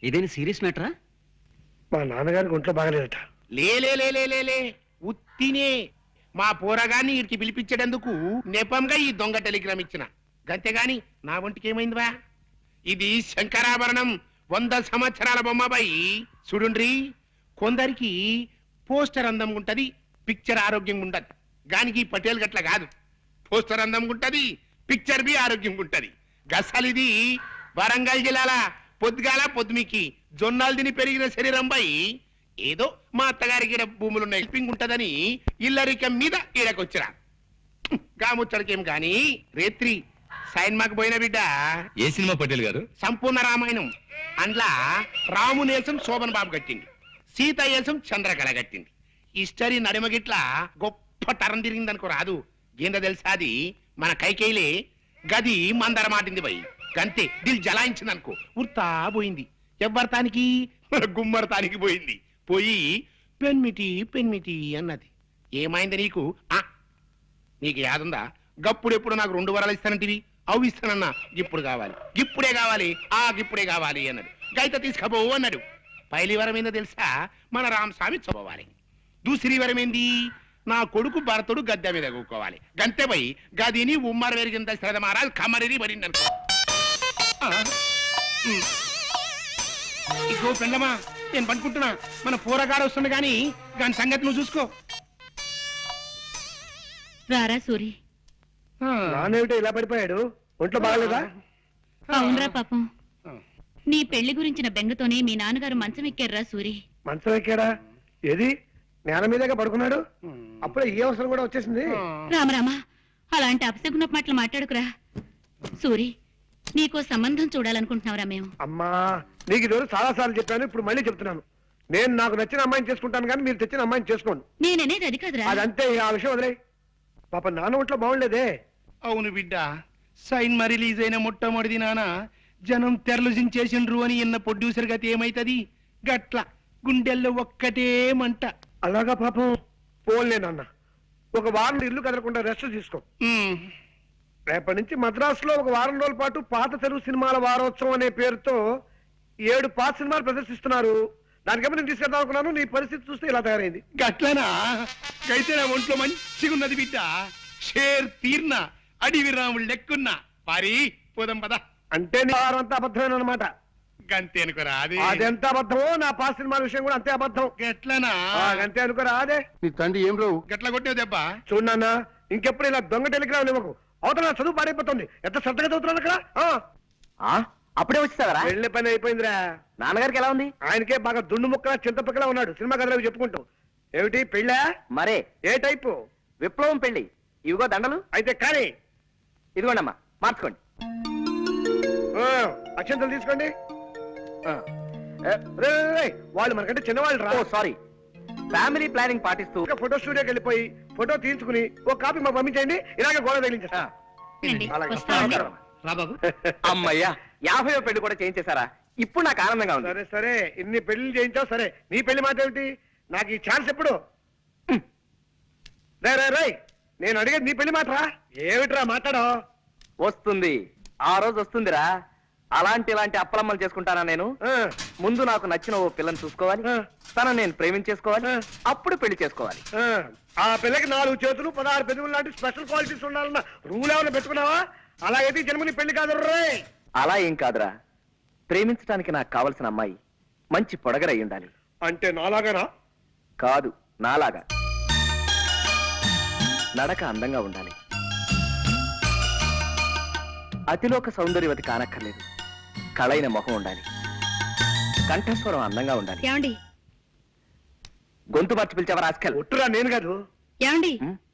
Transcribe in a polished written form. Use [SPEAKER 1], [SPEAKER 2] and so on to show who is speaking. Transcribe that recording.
[SPEAKER 1] ఇదేని serious మ్యాటరా?
[SPEAKER 2] మా నాన్నగారికి ఒంట్లో బాగలేదట.
[SPEAKER 3] లే ఉత్తినే మా పోరగాన్ని వీడికి పిలిపించేటందుకు నెపంగా ఈ దొంగ టెలిగ్రామ్ ఇచ్చిన గంతేగాని నా ఒంటికి ఏమైందివా? ఇది శంకరాభరణం 100 సంవత్సరాల బొమ్మబాయి. చూడుండ్రి, కొందరికి పోస్టర్ అందం ఉంటది, పిక్చర్ ఆరోగ్యంగా ఉండదు. గానికి పటేల్ గట్ల కాదు, పోస్టర్ అందం ఉంటది, పిక్చర్ బి ఆరోగ్యంగా ఉంటది. గసలిది వరంగల్ జిల్లాల పొద్దుగాల పొద్దుమికి జొన్నాలు తిని పెరిగిన శరీరం బై ఏదో మా అత్తగారికి భూములున్న హెల్పింగ్ ఉంటదని ఇల్లరికం మీద ఈడకొచ్చిరా. గాముచ్చడికేం గాని రేత్రి సైన్మాకు పోయిన బిడ్డ.
[SPEAKER 4] ఏ సినిమా పటేల్ గారు?
[SPEAKER 3] సంపూర్ణ రామాయణం. అందులో రామునేసం శోభన్ బాబు కట్టింది, సీత ఏసం చంద్రకళ కట్టింది. హిస్టరీ నడిమగిట్లా గొప్ప తరం తిరిగిందనుకో రాదు. ఏందో తెలుసా, అది మన కైకేయిలే గది మందర మాటింది పోయి గంతే దిల్ జలాయించింది అనుకో, ఉర్తా పోయింది. ఎవ్వరతానికి గుమ్మరతానికి పోయింది. పోయి పెన్మిటి అన్నది. ఏమైంది నీకు? నీకు యాదుందా? గప్పుడెప్పుడు నాకు 2 వరాలు ఇస్తానంటివి, అవి ఇస్తానన్నా. ఇప్పుడు కావాలి, ఇప్పుడే కావాలి, ఇప్పుడే కావాలి అన్నాడు. గైత తీసుకపోవు అన్నాడు. పైలి వరం ఏందో తెలుసా? మన రామస్వామి చదవాలి. దూసరి వరం ఏంది? నా కొడుకు భరతుడు గద్దె మీద కూకోవాలి. గంతే పోయి గదిని ఉమ్మర వెరిగింత శ్రద్ధ మహారాజ్ కమరిని పడింది అనుకో. ఇగో పెండమా, నేను పనుకుంటున్నా. మన పూరగాడు వస్తుంది గాని దాని సంగతి నువ్వు చూసుకో.
[SPEAKER 5] రారా సూరి.
[SPEAKER 2] నానేమిటో ఇలా పడిపోయాడు? ఒంట్లో బాగలేదా?
[SPEAKER 5] అవునరా పాపం, నీ పెళ్లి గురించిన బెంగతోనే మీ నాన్నగారు మంచం ఎక్కారా సూరి.
[SPEAKER 2] మంచం ఎక్కాడా? ఏది నేల మీదగా పడుకున్నాడు? అప్పుడే ఈ అవసరం కూడా వచ్చేసింది.
[SPEAKER 5] రామరామా, అలాంటి అపశకున మాటలు మాట్లాడుకురా. సూరి, నీకో సంబంధం చూడాలనుకుంటున్నావురా మేము.
[SPEAKER 2] అమ్మా, నీకు ఈరోజు చాలా సార్లు చెప్పాను, ఇప్పుడు మళ్ళీ చెప్తున్నాను. నేను నాకు నచ్చిన అమ్మాయిని చేసుకుంటాను కానీ మీరు తెచ్చిన అమ్మాయిని చేసుకోండి.
[SPEAKER 5] నేననేది అది కాదురా.
[SPEAKER 2] అదంతే, ఆ విషయం వదిలే. పాప నాన్న ఒంట్లో బాగుండేదే.
[SPEAKER 3] అవును బిడ్డ, సైన్మా రిలీజ్ అయిన మొట్టమొదటి నాన్న జనం తెరలు జించేసిండ్రు అని ఎన్న ప్రొడ్యూసర్ గతి ఏమైతది? గట్ల గుండెల్లో ఒక్కటే మంట.
[SPEAKER 2] అలాగా పాపం. పోన్లే నాన్న, ఒక వారం ఇల్లు కదలకుండా రెస్ట్ తీసుకో. రేపటి నుంచి మద్రాసులో ఒక వారం రోజుల పాటు పాత తెలుగు సినిమాల వారోత్సవం అనే పేరుతో 7 పాత సినిమాలు ప్రదర్శిస్తున్నారు. దానికేమో నేను తీసుకెళ్దాం అనుకున్నాను. నీ పరిస్థితి చూస్తే ఇలా తయారైంది.
[SPEAKER 3] గట్లనా? అయితే నా ఒంట్లో మంచిగున్నది బిడ్డ. షేర్ తీర్న అడివి రాముడు లెక్కున్నా. పారి పోదాం పద.
[SPEAKER 2] అంటే నీ వారం అంతా అబద్ధమైన అనమాట.
[SPEAKER 3] గంతే అనుకోరా? అది
[SPEAKER 2] అదెంత అబద్ధమో నా పాత సినిమాల విషయం కూడా అంతే అబద్ధం.
[SPEAKER 3] గట్లనా?
[SPEAKER 2] అంతే అనుకోరా? అదే
[SPEAKER 3] నీ తండ్రి ఏం రావు గట్ల కొట్టావు దెబ్బ.
[SPEAKER 2] చూడన్నా, ఇంకెప్పుడు ఇలా దొంగ టెలిగ్రామ్ ఇవ్వకు. అవతల చదువు పాడైపోతుంది. ఎంత శ్రద్ధగా చదువుతున్నాను అక్కడ.
[SPEAKER 1] అప్పుడే వచ్చేసావరా?
[SPEAKER 2] వెళ్ళే పని అయిపోయిందిరా.
[SPEAKER 1] నాన్నగారికి ఎలా ఉంది?
[SPEAKER 2] ఆయనకే బాగా దుండు ముక్కలా చింతపక్కలా ఉన్నాడు. సినిమా కథలు చెప్పుకుంటూ. ఏమిటి పెళ్ళా?
[SPEAKER 1] మరే
[SPEAKER 2] ఏ టైపు?
[SPEAKER 1] విప్లవం పెళ్లి. ఇవిగో దండలు.
[SPEAKER 2] అయితే కానీ
[SPEAKER 1] ఇదిగోండమ్మా, మార్చుకోండి.
[SPEAKER 2] అక్షంతలు తీసుకోండి. వాళ్ళు మనకంటే చిన్నవాళ్ళు రా.
[SPEAKER 1] సారీ. ఫ్యామిలీ ప్లానింగ్ పాటిస్తూ
[SPEAKER 2] ఫోటో స్టూడియోకి వెళ్ళిపోయి ఫోటో తీయించుకుని ఒక కాపీ మాకు పంపించండి. ఇలాగే గోడ తగిలించేస్తా.
[SPEAKER 1] అమ్మయ్యా, 50వ పెళ్లి కూడా చేయించేశారా? ఇప్పుడు నాకు ఆనందంగా ఉంది.
[SPEAKER 2] సరే సరే, ఇన్ని పెళ్లి చేయించావు సరే. నీ పెళ్లి మాట ఏమిటి? నాకు ఈ ఛాన్స్ ఎప్పుడు? రై, నేను అడిగేది నీ పెళ్లి మాటరా. ఏమిట్రా మాట్లాడో?
[SPEAKER 1] వస్తుంది, ఆ రోజు వస్తుందిరా. ఇలాంటి అప్పలమ్మలు చేసుకుంటానా నేను? ముందు నాకు నచ్చిన ఓ పిల్లని చూసుకోవాలి, తనని నేను ప్రేమించేసుకోవాలి, అప్పుడు పెళ్లి చేసుకోవాలి.
[SPEAKER 2] ఆ పిల్లకి 4 చేతులు 16 పెదవులు లాంటి స్పెషల్ క్వాలిటీస్ ఉండాలన్న రూల్ ఏమైనా పెట్టుకున్నావా? అలాగైతే జన్మని పెళ్లి కాదు రే.
[SPEAKER 1] అలా ఏం కాదురా, ప్రేమించడానికి నాకు కావలసిన అమ్మాయి మంచి పొడగరై ఉండాలి.
[SPEAKER 2] అంటే నాలాగానా?
[SPEAKER 1] కాదు, నాలాగా. నడక అందంగా ఉండాలి, అతిలోక సౌందర్యవతి కానక్కర్లేదు. కళైన మొహం ఉండాలి, కంఠస్వరం అందంగా ఉండాలి.
[SPEAKER 5] ఏమండి?
[SPEAKER 1] గొంతు మార్చి పిలిచావా రాస్కల్?
[SPEAKER 2] ఒట్టురా, నేను కాదు.
[SPEAKER 5] ఏమండి?